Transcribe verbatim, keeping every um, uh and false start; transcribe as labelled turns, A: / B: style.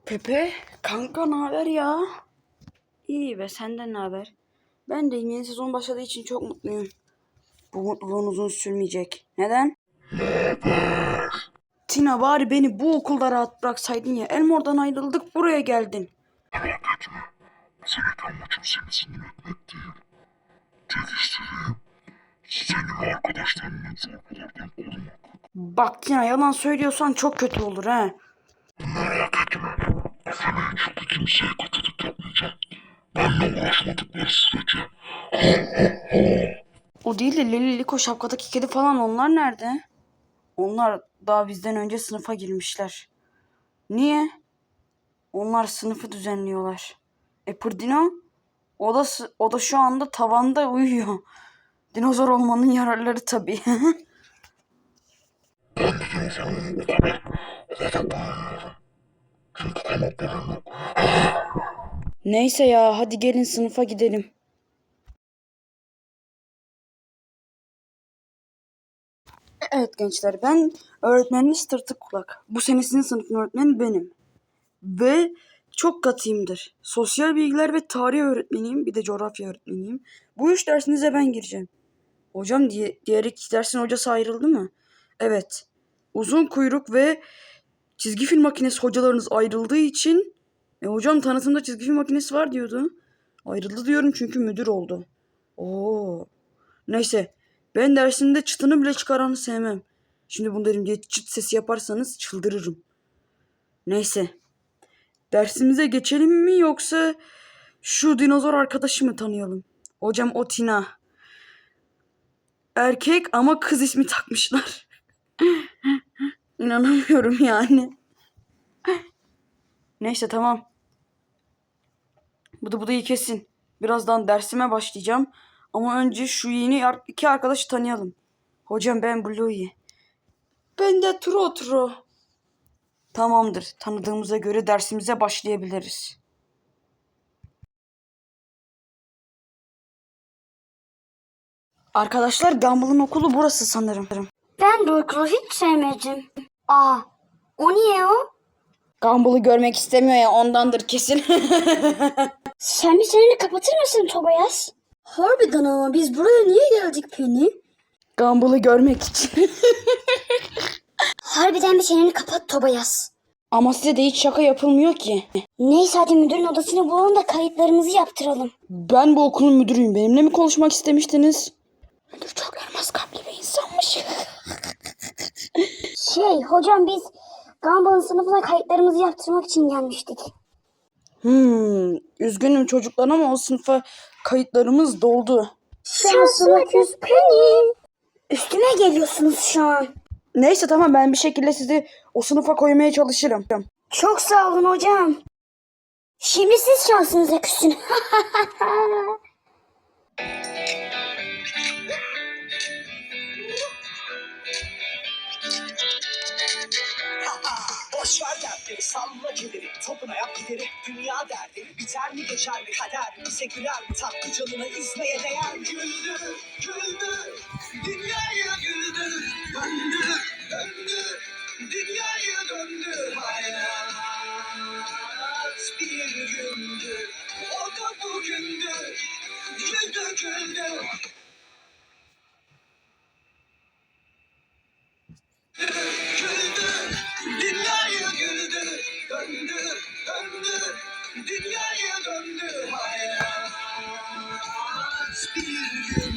A: Pepe, kanka ne haber ya? İyi be, senden ne haber? Ben de yeni sezon başladığı için çok mutluyum. Bu mutluluğun uzun sürmeyecek. Neden? Tina, bari beni bu okulda rahat bıraksaydın ya. Elmor'dan ayrıldık, buraya geldin.
B: Merak etme. Senin amacım seni sinir etmek değil. Tek istediğim senin ve arkadaşlarının zorbalardan korumak.
A: Bak Tina, yalan söylüyorsan çok kötü olur ha.
B: Merak etme. Efe'nin çok kimseye kötülük yapmayacağım. Benimle uğraşmadıkları sürece.
A: O değil de Leli Liko şapkadaki kedi falan, onlar nerede? Onlar daha bizden önce sınıfa girmişler. Niye? Onlar sınıfı düzenliyorlar. E Pırdino? O da, o da şu anda tavanda uyuyor. Dinozor olmanın yararları tabii.
B: Ben de dinozorluğumu o kadar havada bulunuyorum. Çünkü kanatlarım yok.
A: Neyse ya, hadi gelin sınıfa gidelim. Evet gençler, ben öğretmeniniz Tırtık Kulak. Bu sene sizin sınıfın öğretmeni benim. Ve çok katıyımdır. Sosyal bilgiler ve tarih öğretmeniyim, bir de coğrafya öğretmeniyim. Bu üç dersinize ben gireceğim. Hocam diye, diğer iki dersin hocası ayrıldı mı? Evet. Uzun kuyruk ve çizgi film makinesi hocalarınız ayrıldığı için... E hocam tanıtımda çizgi film makinesi var diyordu. Ayrıldı diyorum çünkü müdür oldu. Oo. Neyse. Ben dersimde çıtını bile çıkaranı sevmem. Şimdi bunu derim diye çıt sesi yaparsanız çıldırırım. Neyse. Dersimize geçelim mi yoksa şu dinozor arkadaşı mı tanıyalım? Hocam o Tina. Erkek ama kız ismi takmışlar. İnanamıyorum yani. Neyse tamam. Bıdı bıdıyı kesin. Birazdan dersime başlayacağım. Ama önce şu yeni iki arkadaşı tanıyalım. Hocam ben Bluey. Ben de Tro Tro. Tamamdır. Tanıdığımıza göre dersimize başlayabiliriz. Arkadaşlar, Gumball'ın okulu burası sanırım.
C: Ben Dorkru hiç sevmedim. Aa, o niye o?
A: Gumball'ı görmek istemiyor ya, ondandır kesin.
C: Sen bir çeneni kapatır mısın Tobias? Harbiden ama biz buraya niye geldik Penny?
A: Gumball'ı görmek için.
C: Harbiden bir çeneni kapat Tobias.
A: Ama size de hiç şaka yapılmıyor ki.
C: Neyse hadi müdürün odasını bulalım da kayıtlarımızı yaptıralım.
A: Ben bu okulun müdürüyüm. Benimle mi konuşmak istemiştiniz? Müdür çok elmas kalpli bir insanmış.
C: Şey hocam biz Gumball'ın sınıfına kayıtlarımızı yaptırmak için gelmiştik.
A: Hmm, üzgünüm çocuklar ama o sınıfa kayıtlarımız doldu.
C: Şansına küs Penny. Üstüme geliyorsunuz şu an.
A: Neyse tamam, ben bir şekilde sizi o sınıfa koymaya çalışırım.
C: Çok sağ olun hocam. Şimdi siz şansınıza küsün.
D: Boş ver dertleri, salla kederi, topuna yap gideri. Dünya derdi, biter mi geçer mi kader? Bize güler mi tatlı canına izmeye değer? Güldür, güldür, dünyayı güldür. Döndür, döndür, dünyayı döndür. Hayat bir gündür, o da bugündür. Güldür, güldür. Güldür, dünyayı güldür, döndür, döndür, dünyayı döndür. Hayat bir gün.